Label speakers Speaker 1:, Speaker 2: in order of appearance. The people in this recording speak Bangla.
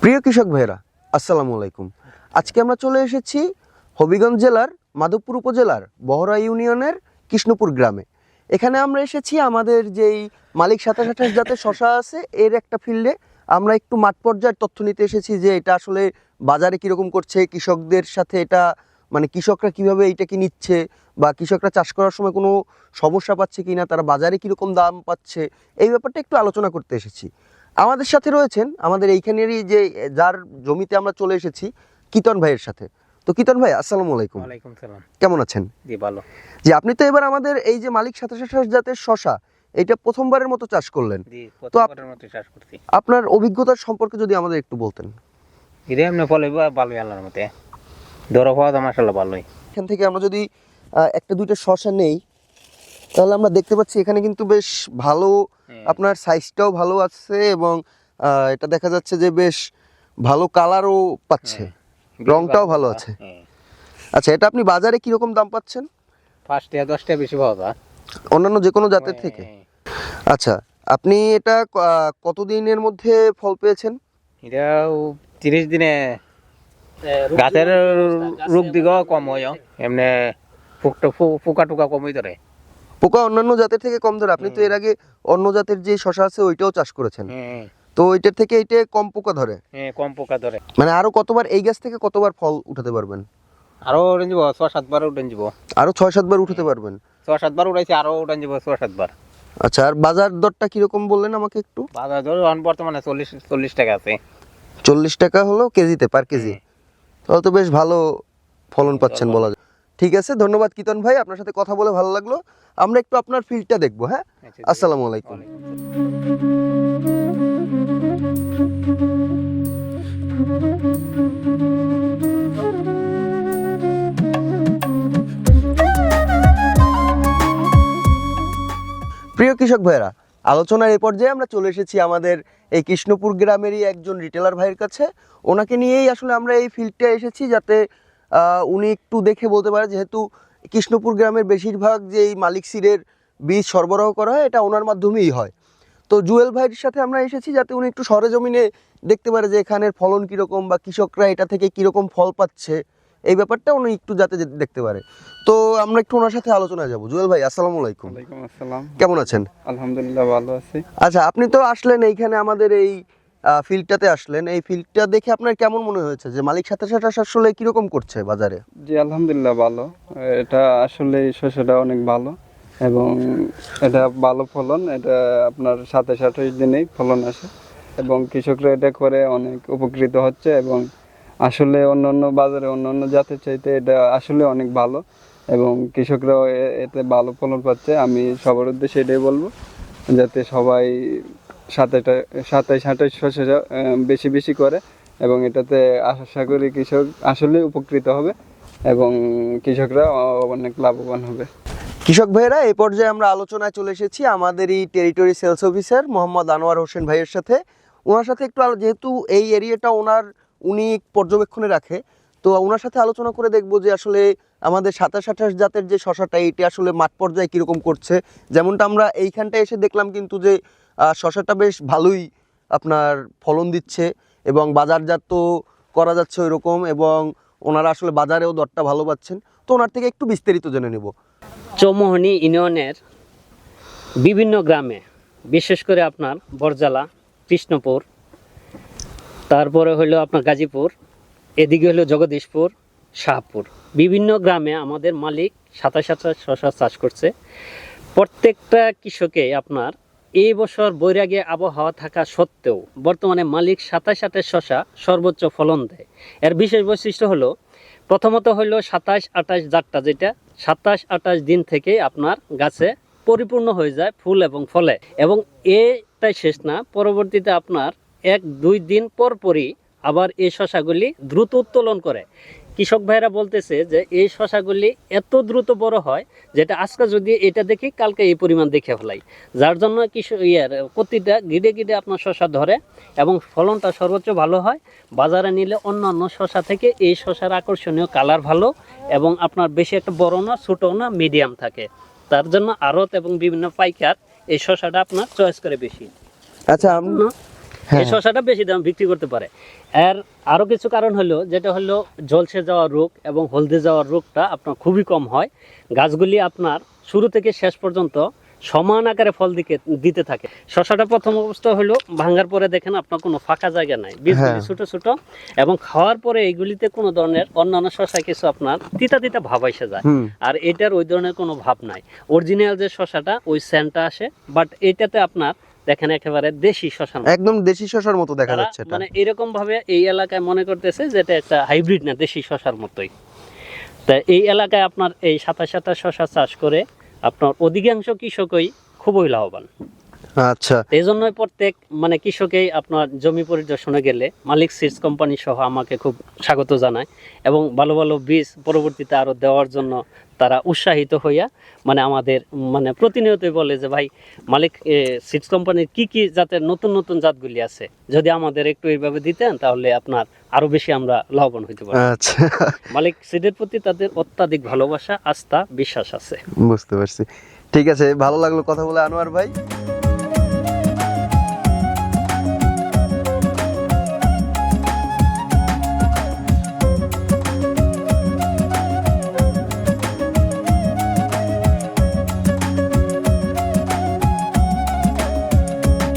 Speaker 1: প্রিয় কৃষক ভাইয়েরা, আসসালামু আলাইকুম। আজকে আমরা চলে এসেছি হবিগঞ্জ জেলার মাধবপুর উপজেলার বহরা ইউনিয়নের কৃষ্ণপুর গ্রামে। এখানে আমরা এসেছি আমাদের যেই মালিক 2728 জাতের শশা আছে এর একটা ফিল্ডে। আমরা একটু মাঠ পর্যায়ের তথ্য নিতে এসেছি যে এটা আসলে বাজারে কীরকম করছে, কৃষকদের সাথে এটা মানে কৃষকরা কীভাবে এইটাকে নিচ্ছে, বা কৃষকরা চাষ করার সময় কোনো সমস্যা পাচ্ছে কি না, তারা বাজারে কীরকম দাম পাচ্ছে, এই ব্যাপারটা একটু আলোচনা করতে এসেছি। আমাদের সাথে রয়েছেন আমাদের এইখানেরই যে যার জমিতে আমরা চলে এসেছি, কিতন ভাইয়ের সাথে। তো কিতন ভাই, আসসালামু আলাইকুম।
Speaker 2: ওয়ালাইকুম সালাম।
Speaker 1: কেমন আছেন?
Speaker 2: জি ভালো।
Speaker 1: জি, আপনি তো এবার আমাদের এই যে মালিক 2728 জাতের শশা, এটা প্রথমবারের মতো চাষ করলেন।
Speaker 2: জি, প্রথমবারের মতো চাষ করছি।
Speaker 1: আপনার অভিজ্ঞতার সম্পর্কে যদি আমাদের একটু বলতেন।
Speaker 2: এর এমনি ফলে ভালোই আল্লাহর মতে। ধরো হওয়া তো মাশাআল্লাহ ভালোই।
Speaker 1: এখান থেকে আমরা যদি একটা দুইটা শশা নেই, তাহলে আমরা দেখতে পাচ্ছি এখানে কিন্তু বেশ ভালো, আপনার সাইজটাও ভালো আছে এবং এটা দেখা যাচ্ছে যে বেশ ভালো কালারও পাচ্ছে, রংটাও ভালো আছে। আচ্ছা, এটা আপনি বাজারে কিরকম দাম পাচ্ছেন?
Speaker 2: 5 টাকা 10 টাকা বেশি পাওয়া যায়
Speaker 1: অন্যান্য যে কোনো জাতের থেকে। আচ্ছা, আপনি এটা কতদিনের মধ্যে ফল পেয়েছেন?
Speaker 2: এটা 30 দিনে গাছের রোগ দিকেও কম হয়, এমনি পোকা টোকা কমই ধরে।
Speaker 1: পোকা অন্যান্য জাতের থেকে কম ধরে? আপনি তো এর আগে অন্য জাতের যে শশা আছে ওইটাও চাষ করেছেন, তো ওইটার থেকে এইটা কম পোকা ধরে?
Speaker 2: হ্যাঁ, কম পোকা ধরে।
Speaker 1: মানে আরো কতবার এই গাছ থেকে কতবার ফল উঠাতে পারবেন?
Speaker 2: আরো উঠান যাব 6-7 বার উঠান যাব।
Speaker 1: আরো 6-7 বার উঠাতে পারবেন?
Speaker 2: 6-7 বার উঠাইছি, আরো উঠান যাব 6-7 বার।
Speaker 1: আচ্ছা, আর বাজার দরটা কিরকম বললেন আমাকে একটু?
Speaker 2: বাজার দর বর্তমানে 40 টাকা আছে।
Speaker 1: 40 টাকা হলো কেজিতে, পার কেজি? তাহলে তো বেশ ভালো ফলন পাচ্ছেন বলা যায়। ঠিক আছে, ধন্যবাদ কিতন ভাই, আপনার সাথে কথা বলে ভালো লাগলো। আমরা একটু আপনার ফিল্ডটা দেখবো। হ্যাঁ, আসসালামু আলাইকুম। প্রিয় কৃষক ভাইয়েরা, আলোচনার এই পর্যায়ে আমরা চলে এসেছি আমাদের এই কৃষ্ণপুর গ্রামেরই একজন রিটেলার ভাইয়ের কাছে। ওনাকে নিয়েই আসলে আমরা এই ফিল্ডটা এসেছি, যাতে উনি একটু দেখে বলতে পারে, যেহেতু কৃষ্ণপুর গ্রামের বেশিরভাগ যে এই মালিক সিডের বীজ সরবরাহ করা হয় এটা ওনার মাধ্যমেই হয়। তো জুয়েল ভাইয়ের সাথে আমরা এসেছি যাতে উনি একটু সরেজমিনে দেখতে পারে যে এখানের ফলন কীরকম বা কৃষকরা এটা থেকে কীরকম ফল পাচ্ছে, এই ব্যাপারটা উনি একটু যাতে দেখতে পারে। তো আমরা একটু ওনার সাথে আলোচনায় যাব। জুয়েল ভাই, আসসালামু আলাইকুম।
Speaker 3: ওয়ালাইকুম আসসালাম।
Speaker 1: কেমন আছেন?
Speaker 3: আলহামদুলিল্লাহ ভালো আছি।
Speaker 1: আচ্ছা, আপনি তো আসলেন এইখানে আমাদের এই ফিল্ডটাতে আসলেন, এই ফিল্ডটা দেখে আপনার কেমন মনে হয়েছে যে মালিক 2728 আসলে কিরকম করছে বাজারে?
Speaker 3: জি আলহামদুলিল্লাহ ভালো। এটা আসলে শস্যটা অনেক ভালো এবং এটা ভালো ফলন। এটা আপনার 27-28 দিনেই ফলন আসে এবং কৃষকরা এটা করে অনেক উপকৃত হচ্ছে এবং আসলে অন্যান্য বাজারে অন্যান্য জাতের চাইতে এটা আসলে অনেক ভালো এবং কৃষকরাও এতে ভালো ফলন পাচ্ছে। আমি সবার উদ্দেশ্যে এটাই বলবো যাতে সবাই 27-28 শস্য বেশি বেশি করে এবং এটাতে আশা করি কৃষক আসলে উপকৃত হবে এবং কৃষকরা অনেক লাভবান হবে।
Speaker 1: কৃষক ভাইয়েরা, এই পর্যায়ে আমরা আলোচনায় চলে এসেছি আমাদের এই territory sales officer Mohammad Anwar Hossain ভাইয়ের সাথে। ওনার সাথে একটু যেহেতু এই এরিয়াটা উনি পর্যবেক্ষণে রাখে, তো ওনার সাথে আলোচনা করে দেখবো যে আসলে আমাদের 2728 জাতের যে শশাটা এটি আসলে মাঠ পর্যায়ে কীরকম করছে। যেমনটা আমরা এইখানটায় এসে দেখলাম কিন্তু যে শশাটা বেশ ভালোই আপনার ফলন দিচ্ছে এবং বাজারজাত করা যাচ্ছে ওই রকম, এবং ওনারা আসলে বাজারেও দরটা ভালো পাচ্ছেন। তো ওনার থেকে একটু বিস্তারিত জেনে নেব।
Speaker 4: চৌমোহনী ইউনিয়নের বিভিন্ন গ্রামে, বিশেষ করে আপনার বরজালা, কৃষ্ণপুর, তারপরে হলো আপনার গাজীপুর, এদিকে হলো জগদীশপুর, শাহপুর, বিভিন্ন গ্রামে আমাদের মালিক 2728 শশা চাষ করছে। প্রত্যেকটা কৃষকে আপনার এই বছর বৈরাগী আবহাওয়া থাকা সত্ত্বেও বর্তমানে মালিক 2728 শশা সর্বোচ্চ ফলন দেয়। এর বিশেষ বৈশিষ্ট্য হলো, প্রথমত হলো 2728 জাতটা, যেটা 27-28 দিন থেকে আপনার গাছে পরিপূর্ণ হয়ে যায় ফুল এবং ফলে, এবং এটাই শেষ না, পরবর্তীতে আপনার 1-2 দিন পরই আবার এই শশাগুলি দ্রুত উত্তোলন করে। কৃষক ভাইরা বলতেছে যে এই শশাগুলি এত দ্রুত বড় হয় যেটা আজকে যদি এটা দেখি কালকে এই পরিমাণ দেখে ফেলাই, যার জন্য প্রতিটা গিডে গিডে আপনার শশা ধরে এবং ফলনটা সর্বোচ্চ ভালো হয়। বাজারে নিলে অন্যান্য শশা থেকে এই শশার আকর্ষণীয় কালার ভালো এবং আপনার বেশি একটা বড় না, ছোটো না, মিডিয়াম থাকে। তার জন্য আড়ত এবং বিভিন্ন পাইকার এই শশাটা আপনার চয়েস করে বেশি।
Speaker 1: আচ্ছা, হ্যাঁ।
Speaker 4: এই শশাটা বেশি দাম বিক্রি করতে পারে। এর আরো কিছু কারণ হলো, যেটা হলো জলসে যাওয়ার রোগ এবং হলদে যাওয়ার রোগটা আপনার খুবই কম হয়। গাছগুলি আপনার শুরু থেকে শেষ পর্যন্ত সমান আকারে ফল দিতে থাকে। শশাটা প্রথম অবস্থা হলো ভাঙার পরে দেখেন আপনার কোনো ফাঁকা জায়গা নাই, বীজগুলি
Speaker 1: হ্যাঁ।
Speaker 4: ছোট ছোট, এবং খাওয়ার পরে এইগুলিতে কোনো ধরনের অন্যান্য শশায় কিছু আপনার তিতা তিতা ভাব এসে যায়।
Speaker 1: হুম।
Speaker 4: আর এটার ওই ধরনের কোনো ভাব নাই। অরিজিনাল যে শশাটা ওই সেন্টটা আসে, বাট এটাতে আপনার দেখেন একেবারে দেশি শশার মতো।
Speaker 1: একদম দেশি শশার মতো দেখা
Speaker 4: তারা
Speaker 1: যাচ্ছে এটা।
Speaker 4: মানে এরকম ভাবে এই এলাকায় মনে করতেছে যে এটা একটা হাইব্রিড না, দেশি শশার মতোই। তা এই এলাকায় আপনার এই 27 শশা চাষ করে আপনার অধিকাংশ কৃষকই খুবই লাভবান।
Speaker 1: আচ্ছা।
Speaker 4: এই জন্যই প্রত্যেক মানে কৃষকেই আপনার জমি পরিদর্শনে গেলে মালিক সিডস কোম্পানি সহ আমাকে খুব স্বাগত জানায়, এবং ভালো ভালো বীজ পরবর্তীতে আরো দেওয়ার জন্য তারা উৎসাহিত হইয়া মানে আমাদের মানে প্রতিনিয়তই বলে যে ভাই মালিক সিডস কোম্পানির কি কি জাতের নতুন নতুন জাতগুলি আছে, যদি আমাদের একটু এইভাবে দিতেন তাহলে আপনার আরো বেশি আমরা লাভবান হইতে পারি।
Speaker 1: আচ্ছা,
Speaker 4: মালিক সিডের প্রতি তাদের অত্যাধিক ভালোবাসা, আস্থা, বিশ্বাস আছে।
Speaker 1: বুঝতে পারছি। ঠিক আছে, ভালো লাগলো কথা বলে আনোয়ার ভাই।